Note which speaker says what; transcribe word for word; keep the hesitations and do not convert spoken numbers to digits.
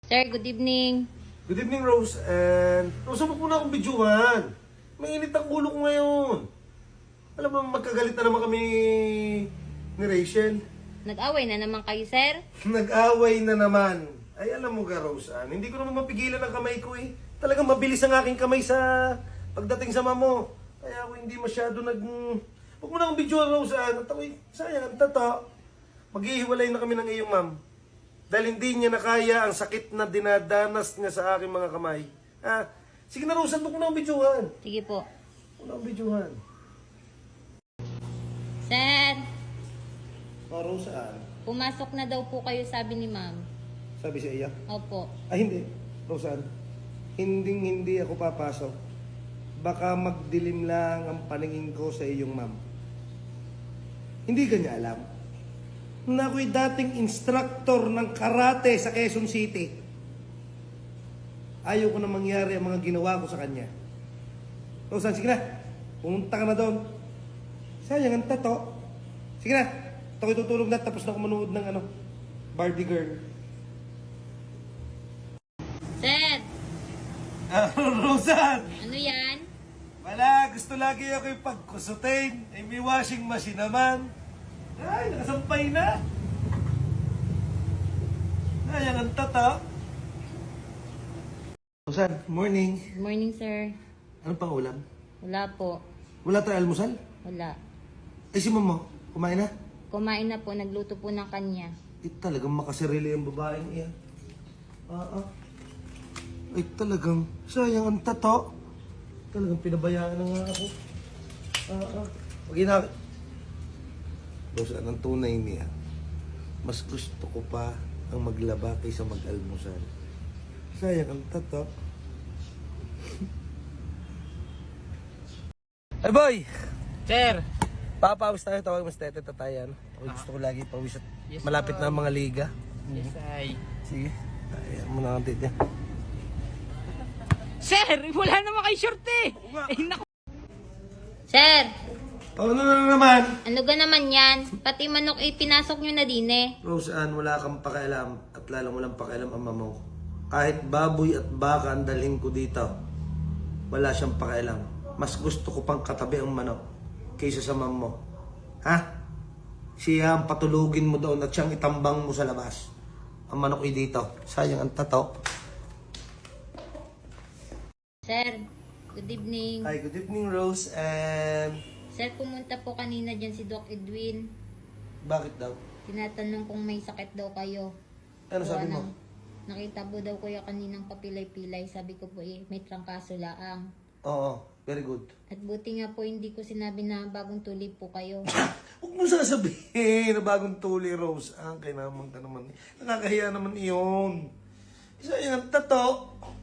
Speaker 1: Sir, good evening.
Speaker 2: Good evening, Rose. And Rose, huwag mo na akong bidyuhan. Mainit ang ulo ko ngayon. Alam mo, magkagalit na naman kami ni Rachel.
Speaker 1: Nag-away na naman kayo, sir?
Speaker 2: Nag-away na naman. Ay, alam mo ka, Rose, Ann, hindi ko naman mapigilan ang kamay ko eh. Talagang mabilis ang aking kamay sa pagdating sa mamo. Kaya ako hindi masyado nag... Huwag mo na akong bidyuhan, Rose. Ann. At ako'y, sayang, ang tato. Maghihiwalay na kami ng iyong ma'am. Dahil hindi niya nakaya ang sakit na dinadanas niya sa aking mga kamay. Ha? Sige na, Rose, huwag mo na akong bidyuhan.
Speaker 1: Sige po.
Speaker 2: Huwag mo na akong bidyuhan.
Speaker 1: Sir,
Speaker 2: Oh, Rose, Ann.
Speaker 1: pumasok na daw po kayo, sabi ni ma'am.
Speaker 2: Sabi siya iya.
Speaker 1: Opo.
Speaker 2: Ay, hindi. Rosan, hindi hindi ako papasok. Baka magdilim lang ang paningin ko sa iyong ma'am. Hindi ka niya alam na ako'y dating instructor ng karate sa Quezon City. Ayaw ko na mangyari ang mga ginawa ko sa kanya. Rosan, sige na. Pumunta ka na doon. Sayang ang tato. Sige na. Ito ko'y tutulog na tapos na ako manood ng ano, Barbie Girl.
Speaker 1: Sir,
Speaker 2: Ah, Rosan!
Speaker 1: ano yan?
Speaker 2: Wala, gusto lagi ako yung pagkusutin. Ay, may washing machine naman. Ay, nakasampay na. Ay, ang tata. Rosan, morning.
Speaker 1: Good morning, sir.
Speaker 2: Ano pang ulam?
Speaker 1: Wala po.
Speaker 2: Wala tayong almusal?
Speaker 1: Wala.
Speaker 2: Ay, si mama, kumain na?
Speaker 1: Kumain na po, nagluto po ng kanya.
Speaker 2: Eh, talagang makasarili ang babaeng iyan. Ah, ah. Ay, talagang sayang ang tato. Talagang pinabayaan na nga ako. Ah, ah. Pag ina... Rosan, ang tunay niya, mas gusto ko pa ang maglaba kaysa mag-almusal. Sayang ang tato. Hey boy!
Speaker 3: Sir!
Speaker 2: Papawis tayo, tawag mas tete tatayan. Ako gusto ko lagi pawis at
Speaker 3: Yes,
Speaker 2: malapit
Speaker 3: sir.
Speaker 2: na ang mga liga.
Speaker 3: Yes, ay.
Speaker 2: Sige. Ayan mo na ang tete.
Speaker 3: Sir! Wala naman kay short eh! Eh, naku!
Speaker 1: Sir,
Speaker 2: Oh, ano na naman?
Speaker 1: ano ga naman yan? Pati manok eh, pinasok nyo na din eh.
Speaker 2: Rose Ann, wala kang pakialam at lalong walang pakialam ang mama mo. Kahit baboy at baka ang dalhin ko dito, wala siyang pakialam. Mas gusto ko pang katabi ang manok kaysa sa mama mo. Ha? Siya ang patulugin mo doon at siyang itambang mo sa labas. Ang manok ay dito. Sayang ang tato.
Speaker 1: Sir, good evening.
Speaker 2: Hi, good evening, Rose. And
Speaker 1: Sir, pumunta po kanina dyan si Doc Edwin.
Speaker 2: bakit daw?
Speaker 1: Tinatanong kung may sakit daw kayo.
Speaker 2: Ano sabi
Speaker 1: Gawa
Speaker 2: mo?
Speaker 1: ng- Nakita po daw kuya kaninang papilay-pilay. Sabi ko po eh, may trangkaso laang.
Speaker 2: Oo, very good.
Speaker 1: At buti nga po hindi ko sinabi na bagong tulip po kayo.
Speaker 2: Huwag mo sasabihin na bagong tuli, Rose. Ang kay naman ka naman. Nakakahiya naman iyon. Isa yung tato.